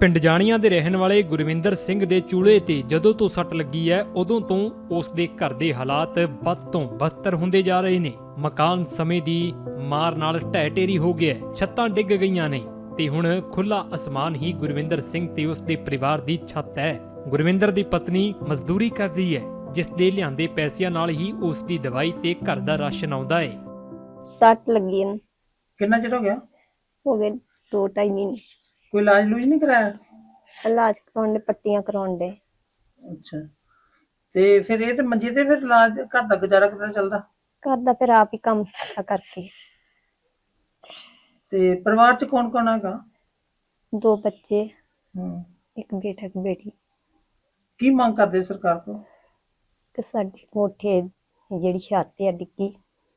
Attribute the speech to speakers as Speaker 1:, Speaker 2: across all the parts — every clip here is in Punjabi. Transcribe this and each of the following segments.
Speaker 1: ਪਿੰਡ ਜਾਣੀਆਂ ਦੇ ਰਹਿਣ ਵਾਲੇ ਗੁਰਵਿੰਦਰ ਸਿੰਘ ਦੇ ਚੂਲੇ ਤੇ ਜਦੋਂ ਤੋਂ ਸੱਟ ਲੱਗੀ ਹੈ ਉਦੋਂ ਤੋਂ ਉਸ ਦੇ ਘਰ ਦੇ ਹਾਲਾਤ ਬਦ ਤੋਂ ਬਦਤਰ ਹੁੰਦੇ ਜਾ ਰਹੇ ਨੇ। ਮਕਾਨ ਸਮੇਂ ਦੀ ਮਾਰ ਨਾਲ ਢਹਿ ਢੇਰੀ ਹੋ ਗਿਆ ਹੈ, ਛੱਤਾਂ ਡਿੱਗ ਗਈਆਂ ਨੇ ਤੇ ਹੁਣ ਖੁੱਲਾ ਅਸਮਾਨ ਹੀ ਗੁਰਵਿੰਦਰ ਸਿੰਘ ਤੇ ਉਸ ਦੇ ਪਰਿਵਾਰ ਦੀ ਛੱਤ ਹੈ। ਗੁਰਵਿੰਦਰ ਦੀ ਪਤਨੀ ਮਜ਼ਦੂਰੀ ਕਰਦੀ ਹੈ, ਜਿਸ ਦੇ ਲਿਆਂਦੇ ਪੈਸਿਆਂ ਨਾਲ ਹੀ ਉਸ ਦੀ ਦਵਾਈ ਤੇ ਘਰ ਦਾ ਰਾਸ਼ਨ ਆਉਂਦਾ ਹੈ।
Speaker 2: ਸੱਟ ਲੱਗੀ ਨੂੰ
Speaker 3: ਕਿੰਨਾ ਚਿਰ ਹੋ ਗਿਆ?
Speaker 2: ਹੋ ਗਏ 2-2.5 ਮਹੀਨੇ।
Speaker 3: ਕੋਈ ਇਲਾਜ ਲੂਜ ਨਹੀਂ ਕਰਾਇਆ?
Speaker 2: ਇਲਾਜ ਕਰਾਉਣ ਦੇ, ਪੱਟੀਆਂ ਕਰਾਉਣ ਦੇ।
Speaker 3: ਅੱਛਾ, ਤੇ ਫਿਰ ਇਹ ਤੇ ਮੰਜੇ ਤੇ ਫਿਰ ਇਲਾਜ ਘਰ ਦਾ ਗੁਜ਼ਾਰਾ ਕਿੱਦਾਂ ਚੱਲਦਾ?
Speaker 2: ਘਰ ਦਾ ਫਿਰ ਆਪ ਹੀ ਕੰਮ ਕਰਕੇ।
Speaker 3: ਤੇ ਪਰਿਵਾਰ ਚ ਕੌਣ ਕੌਣ ਹੈਗਾ?
Speaker 2: 2 ਬੱਚੇ,
Speaker 3: ਹੂੰ,
Speaker 2: ਇੱਕ ਬੇਟਾ ਇੱਕ ਬੇਟੀ।
Speaker 3: ਕੀ ਮੰਗ ਕਰਦੇ ਸਰਕਾਰ ਤੋਂ?
Speaker 2: ਤੇ ਸਾਡੀ ਕੋਠੇ ਜਿਹੜੀ ਛੱਤ ਆ ਡਿੱਗੀ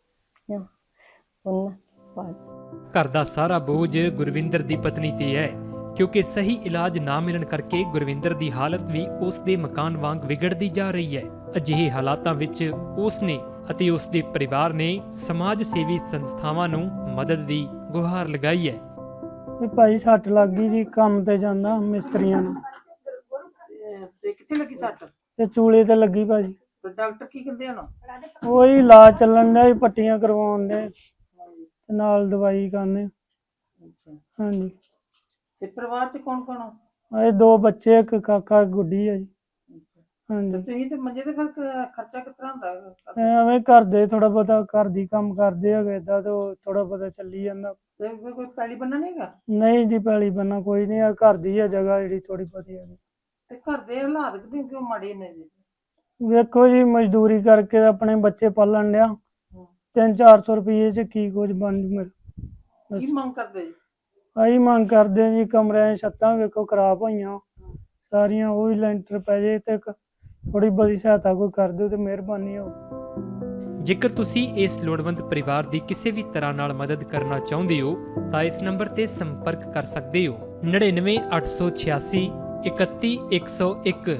Speaker 2: ਉਹਨਾਂ ਬਾਅਦ
Speaker 1: ਘਰ ਦਾ ਸਾਰਾ ਬੋਝ ਗੁਰਵਿੰਦਰ ਦੀ ਪਤਨੀ ਤੇ ਹੈ, ਕਿਉਂਕਿ ਸਹੀ ਇਲਾਜ ਨਾ ਮਿਲਣ ਕਰਕੇ ਗੁਰਵਿੰਦਰ ਦੀ ਹਾਲਤ ਵੀ ਉਸ ਦੇ ਮਕਾਨ ਵਾਂਗ ਵਿਗੜਦੀ ਜਾ ਰਹੀ ਹੈ। ਅਜਿਹੇ ਹਾਲਾਤਾਂ ਵਿੱਚ ਉਸ ਨੇ ਅਤੇ ਉਸ ਦੇ ਪਰਿਵਾਰ ਨੇ ਸਮਾਜ ਸੇਵੀ ਸੰਸਥਾਵਾਂ ਨੂੰ ਮਦਦ ਦੀ ਗੁਹਾਰ ਲਗਾਈ ਹੈ।
Speaker 4: ਵੀ ਭਾਈ ਸੱਟ ਲੱਗ ਗਈ ਜੀ, ਕੰਮ ਤੇ ਜਾਂਦਾ ਮਿਸਤਰੀਆਂ ਨੂੰ,
Speaker 3: ਤੇ ਕਿੱਥੇ ਲੱਗੀ ਸੱਟ?
Speaker 4: ਤੇ ਚੂਲੇ ਤੇ ਲੱਗੀ ਭਾਜੀ।
Speaker 3: ਤੇ ਡਾਕਟਰ ਕੀ ਕਹਿੰਦੇ ਹਨ?
Speaker 4: ਉਹੀ ਇਲਾਜ ਚੱਲਣ ਡਿਆ ਜੀ, ਪੱਟੀਆਂ ਕਰਵਾਉਣ ਦੇ ਤੇ ਨਾਲ ਦਵਾਈ ਖਾਂਦੇ।
Speaker 3: ਅੱਛਾ,
Speaker 4: ਹਾਂਜੀ,
Speaker 3: ਤੇ ਪਰਿਵਾਰ ਚ ਕੌਣ ਕੌਣ ਆ?
Speaker 4: ਇਹ 2 ਬੱਚੇ, ਇੱਕ ਕਾਕਾ ਇੱਕ ਗੁੱਡੀ ਹੈ ਜੀ।
Speaker 3: ਤੇ
Speaker 4: ਹਾਂਜੀ,
Speaker 3: ਤੁਸੀਂ ਤੇ ਮੰਜੇ ਤੇ ਫਿਰ ਖਰਚਾ ਕਿਸ ਤਰ੍ਹਾਂ ਹੁੰਦਾ?
Speaker 4: ਐਵੇਂ ਘਰ ਦੇ ਥੋੜਾ ਬਹੁਤਾ ਘਰ ਦੀ ਕੰਮ ਕਰਦੇ ਹੈਗੇ, ਏਦਾਂ ਤੇ ਥੋੜਾ ਬਹੁਤਾ ਚੱਲੀ ਜਾਂਦਾ।
Speaker 3: ਤੇ ਫਿਰ ਕੋਈ ਪੈਲੀ ਬੰਨਾ ਨਹੀਂ ਹੈਗਾ?
Speaker 4: ਨਹੀਂ ਜੀ, ਪੈਲੀ ਬੰਨਾ ਕੋਈ ਨਹੀਂ ਆ, ਘਰ ਦੀ ਹੈ ਜਗ੍ਹਾ ਜਿਹੜੀ ਥੋੜੀ ਬਹੁਤੀ ਹੈਗੀ।
Speaker 3: ਤੇ ਘਰ ਦੇ ਹਾਲਾਤ ਕਿਉਂ ਮਾੜੇ ਨੇ ਜੀ?
Speaker 4: ਵੇਖੋ ਜੀ, ਮਜ਼ਦੂਰੀ ਕਰਕੇ ਆਪਣੇ ਬੱਚੇ ਪਾਲਣ ਡਿਆ, 300-400 ਰੁਪਏ ਚ ਕੀ ਕੁਝ ਬਣ ਜੂ ਮੇਰੇ।
Speaker 3: ਕੀ ਮੰਗ ਕਰਦੇ ਜੀ?
Speaker 4: ਆਹੀ ਮੰਗ ਕਰਦੇ ਆ ਜੀ, ਕਮਰਿਆਂ ਦੀਆਂ ਛੱਤਾਂ ਵੇਖੋ ਖਰਾਬ ਹੋਈਆਂ ਸਾਰੀਆਂ, ਉਹ ਵੀ ਲੈਂਟਰ ਪੈ ਜੇ ਤੇ ਥੋੜੀ ਬਹੁਤੀ ਸਹਾਇਤਾ ਕੋਈ ਕਰ ਦਿਓ ਤੇ ਮਿਹਰਬਾਨੀ ਹੋ।
Speaker 1: ਜੇਕਰ ਤੁਸੀਂ ਇਸ ਲੋੜਵੰਦ ਪਰਿਵਾਰ ਦੀ ਕਿਸੇ ਵੀ ਤਰ੍ਹਾਂ ਨਾਲ ਮਦਦ ਕਰਨਾ ਚਾਹੁੰਦੇ ਹੋ ਤਾਂ ਇਸ ਨੰਬਰ ਤੇ ਸੰਪਰਕ ਕਰ ਸਕਦੇ ਹੋ 99 886 31 101।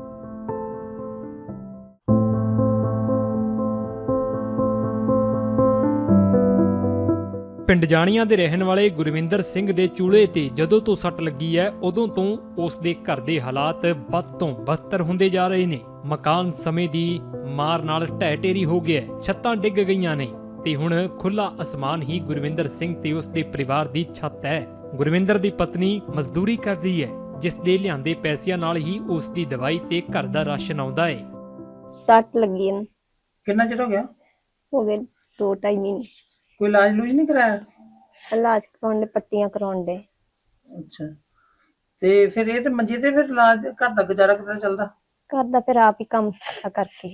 Speaker 1: ਪਿੰਡ ਜਾਣੀਆਂ ਦੇ ਰਹਿਣ ਵਾਲੇ ਗੁਰਵਿੰਦਰ ਸਿੰਘ ਦੇ ਚੂਲੇ ਤੇ ਜਦੋਂ ਤੋਂ ਸੱਟ ਲੱਗੀ ਹੈ ਉਦੋਂ ਤੋਂ ਉਸ ਦੇ ਘਰ ਦੇ ਹਾਲਾਤ ਬਦ ਤੋਂ ਬਦਤਰ ਹੁੰਦੇ ਜਾ ਰਹੇ ਨੇ। ਮਕਾਨ ਸਮੇਂ ਦੀ ਮਾਰ ਨਾਲ ਢਹਿ ਢੇਰੀ ਹੋ ਗਿਆ ਹੈ, ਛੱਤਾਂ ਡਿੱਗ ਗਈਆਂ ਨੇ ਤੇ ਹੁਣ ਖੁੱਲਾ ਅਸਮਾਨ ਹੀ ਗੁਰਵਿੰਦਰ ਸਿੰਘ ਤੇ ਉਸ ਦੇ ਪਰਿਵਾਰ ਦੀ ਛੱਤ ਹੈ। ਗੁਰਵਿੰਦਰ ਦੀ ਪਤਨੀ ਮਜ਼ਦੂਰੀ ਕਰਦੀ ਹੈ, ਜਿਸ ਦੇ ਲਿਆਂਦੇ ਪੈਸਿਆਂ ਨਾਲ ਹੀ ਉਸ ਦੀ ਦਵਾਈ ਤੇ ਘਰ ਦਾ ਰਾਸ਼ਨ ਆਉਂਦਾ ਹੈ।
Speaker 2: ਸੱਟ ਲੱਗੀ ਨੂੰ
Speaker 3: ਕਿੰਨਾ ਚਿਰ ਹੋ ਗਿਆ?
Speaker 2: ਹੋ ਗਏ 2-2.5 ਮਹੀਨੇ।
Speaker 3: ਕੋਈ ਇਲਾਜ ਲੂਜ ਨਹੀਂ ਕਰਾਇਆ?
Speaker 2: ਇਲਾਜ ਕਰਾਉਣ ਦੇ, ਪੱਟੀਆਂ ਕਰਾਉਣ ਦੇ।
Speaker 3: ਅੱਛਾ, ਤੇ ਫਿਰ ਇਹ ਤੇ ਮੰਜੇ ਤੇ ਫਿਰ ਇਲਾਜ ਘਰ ਦਾ ਗੁਜ਼ਾਰਾ ਕਿੱਦਾਂ ਚੱਲਦਾ?
Speaker 2: ਘਰ ਦਾ ਫਿਰ ਆਪ ਹੀ ਕੰਮ ਕਰਕੇ।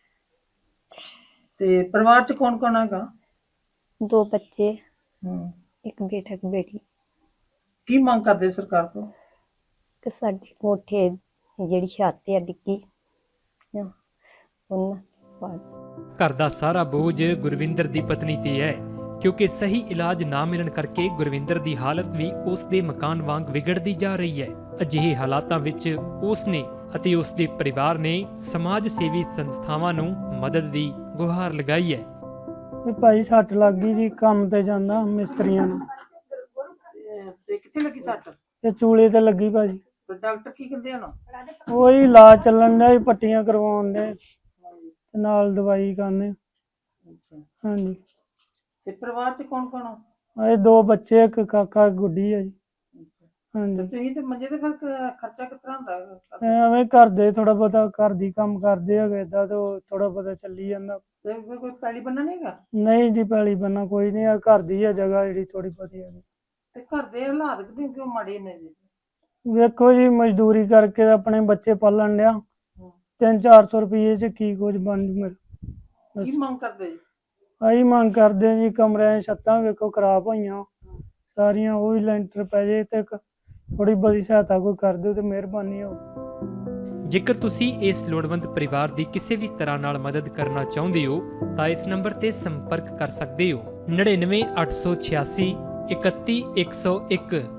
Speaker 3: ਤੇ ਪਰਿਵਾਰ ਚ ਕੌਣ ਕੌਣ ਹੈਗਾ?
Speaker 2: 2 ਬੱਚੇ,
Speaker 3: ਹੂੰ,
Speaker 2: ਇੱਕ ਬੇਟਾ ਇੱਕ ਬੇਟੀ।
Speaker 3: ਕੀ ਮੰਗ ਕਰਦੇ ਸਰਕਾਰ ਤੋਂ?
Speaker 2: ਤੇ ਸਾਡੀ ਕੋਠੇ ਜਿਹੜੀ ਛੱਤ ਆ ਡਿੱਗੀ ਉਹਨਾਂ ਬਾਅਦ
Speaker 1: ਘਰ ਦਾ ਸਾਰਾ ਬੋਝ ਗੁਰਵਿੰਦਰ ਦੀ ਪਤਨੀ ਤੇ ਹੈ, ਕਿਉਂਕਿ ਸਹੀ ਇਲਾਜ ਨਾ ਮਿਲਣ ਕਰਕੇ ਗੁਰਵਿੰਦਰ ਦੀ ਹਾਲਤ ਵੀ ਉਸ ਦੇ ਮਕਾਨ ਵਾਂਗ ਵਿਗੜਦੀ ਜਾ ਰਹੀ ਹੈ। ਅਜਿਹੇ ਹਾਲਾਤਾਂ ਵਿੱਚ ਉਸ ਨੇ ਅਤੇ ਉਸ ਦੇ ਪਰਿਵਾਰ ਨੇ ਸਮਾਜ ਸੇਵੀ ਸੰਸਥਾਵਾਂ ਨੂੰ ਮਦਦ ਦੀ ਗੁਹਾਰ ਲਗਾਈ ਹੈ।
Speaker 4: ਵੀ ਭਾਈ ਸੱਟ ਲੱਗ ਗਈ ਜੀ, ਕੰਮ ਤੇ ਜਾਂਦਾ ਮਿਸਤਰੀਆਂ ਨੂੰ,
Speaker 3: ਤੇ ਕਿੱਥੇ ਲੱਗੀ ਸੱਟ?
Speaker 4: ਤੇ ਚੂਲੇ ਤੇ ਲੱਗੀ ਭਾਜੀ।
Speaker 3: ਤੇ ਡਾਕਟਰ ਕੀ ਕਹਿੰਦੇ ਹਨ?
Speaker 4: ਉਹੀ ਇਲਾਜ ਚੱਲਣ ਡਿਆ ਜੀ, ਪੱਟੀਆਂ ਕਰਵਾਉਣ ਦੇ ਤੇ ਨਾਲ ਦਵਾਈ ਖਾਂਦੇ।
Speaker 3: ਅੱਛਾ,
Speaker 4: ਹਾਂਜੀ,
Speaker 3: ਤੇ ਪਰਿਵਾਰ ਚ ਕੌਣ ਕੌਣ ਆ?
Speaker 4: ਇਹ 2 ਬੱਚੇ, ਇੱਕ ਕਾਕਾ ਇੱਕ ਗੁੱਡੀ ਹੈ ਜੀ।
Speaker 3: ਤੇ
Speaker 4: ਹਾਂਜੀ,
Speaker 3: ਤੁਸੀਂ ਤੇ ਮੰਜੇ ਤੇ ਫਿਰ ਖਰਚਾ ਕਿਸ ਤਰ੍ਹਾਂ ਹੁੰਦਾ?
Speaker 4: ਐਵੇਂ ਘਰ ਦੇ ਥੋੜਾ ਬਹੁਤਾ ਘਰ ਦੀ ਕੰਮ ਕਰਦੇ ਹੈਗੇ, ਏਦਾਂ ਤੇ ਥੋੜਾ ਬਹੁਤਾ ਚੱਲੀ ਜਾਂਦਾ।
Speaker 3: ਤੇ ਫਿਰ ਕੋਈ ਪੈਲੀ ਬੰਨਾ ਨਹੀਂ ਹੈਗਾ?
Speaker 4: ਨਹੀਂ ਜੀ, ਪੈਲੀ ਬੰਨਾ ਕੋਈ ਨਹੀਂ ਆ, ਘਰ ਦੀ ਹੈ ਜਗ੍ਹਾ ਜਿਹੜੀ ਥੋੜੀ ਬਹੁਤੀ ਹੈਗੀ।
Speaker 3: ਤੇ ਘਰ ਦੇ ਹਾਲਾਤ ਕਿਉਂ ਮਾੜੇ ਨੇ ਜੀ?
Speaker 4: ਵੇਖੋ ਜੀ, ਮਜ਼ਦੂਰੀ ਕਰਕੇ ਆਪਣੇ ਬੱਚੇ ਪਾਲਣ ਡਿਆ, 300-400 ਰੁਪਏ ਚ ਕੀ ਕੁਝ ਬਣ ਜੂ ਮੇਰੇ।
Speaker 3: ਕੀ ਮੰਗ ਕਰਦੇ ਜੀ?
Speaker 4: ਆਹੀ ਮੰਗ ਕਰਦੇ ਆ ਜੀ, ਕਮਰਿਆਂ ਦੀਆਂ ਛੱਤਾਂ ਵੇਖੋ ਖਰਾਬ ਹੋਈਆਂ ਸਾਰੀਆਂ, ਉਹ ਵੀ ਲੈਂਟਰ ਪੈ ਜੇ ਤੇ ਥੋੜੀ ਬਹੁਤੀ ਸਹਾਇਤਾ ਕੋਈ ਕਰ ਦਿਓ ਤੇ ਮਿਹਰਬਾਨੀ ਹੋ।
Speaker 1: ਜੇਕਰ ਤੁਸੀਂ ਇਸ ਲੋੜਵੰਦ ਪਰਿਵਾਰ ਦੀ ਕਿਸੇ ਵੀ ਤਰ੍ਹਾਂ ਨਾਲ ਮਦਦ ਕਰਨਾ ਚਾਹੁੰਦੇ ਹੋ ਤਾਂ ਇਸ ਨੰਬਰ ਤੇ ਸੰਪਰਕ ਕਰ ਸਕਦੇ ਹੋ 99 886 31 101।